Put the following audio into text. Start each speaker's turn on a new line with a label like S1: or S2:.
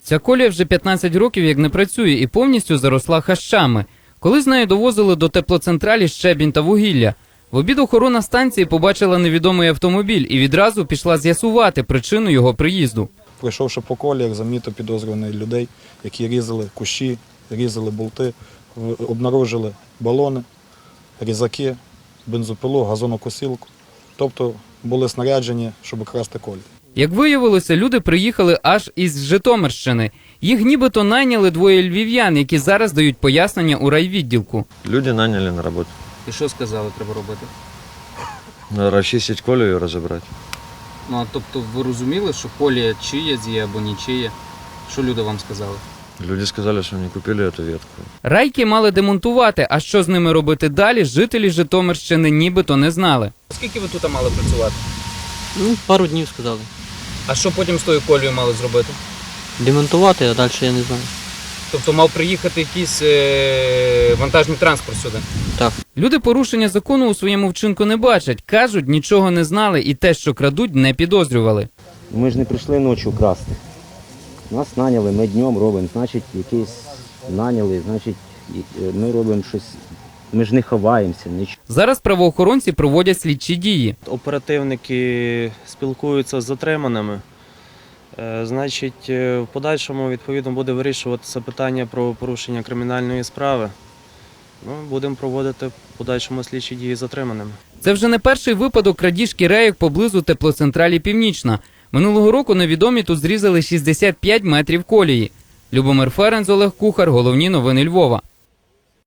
S1: Ця колія вже 15 років як не працює і повністю заросла хащами. Коли з нею довозили до теплоцентралі щебінь та вугілля. В обід охорона станції побачила невідомий автомобіль і відразу пішла з'ясувати причину його приїзду.
S2: Пройшовши по коліях, замітив підозрюваних людей, які різали кущі, різали болти, обнаружили балони, різаки, бензопилу, газонокосілку. Тобто були снаряджені, щоб красти колії.
S1: Як виявилося, люди приїхали аж із Житомирщини. Їх нібито найняли двоє львів'ян, які зараз дають пояснення у райвідділку.
S3: Люди наняли на роботу.
S1: І що сказали, треба робити?
S3: Розчистити колію і розібрати.
S1: Ну, а тобто ви розуміли, що колія чия є або нічия? Що люди вам сказали?
S3: Люди сказали, що не купили цю ветку.
S1: Райки мали демонтувати, а що з ними робити далі, жителі Житомирщини нібито не знали. Скільки ви тут мали працювати?
S4: Пару днів сказали.
S1: А що потім з тою колією мали зробити?
S4: Демонтувати, а далі я не знаю.
S1: Тобто мав приїхати якийсь вантажний транспорт сюди?
S4: Так.
S1: Люди порушення закону у своєму вчинку не бачать. Кажуть, нічого не знали і те, що крадуть, не підозрювали.
S5: Ми ж не прийшли ночі красти. Нас наняли, ми днем робимо, значить, якийсь наняли, значить, ми робимо щось, ми ж не ховаємося, нічого.
S1: Зараз правоохоронці проводять слідчі дії.
S6: Оперативники спілкуються з затриманими. Значить, в подальшому, відповідно, буде вирішуватися питання про порушення кримінальної справи. Будемо проводити в подальшому слідчі дії з затриманими.
S1: Це вже не перший випадок крадіжки рейок поблизу теплоцентралі «Північна». Минулого року невідомі тут зрізали 65 метрів колії. Любомир Ференц, Олег Кухар. Головні новини Львова.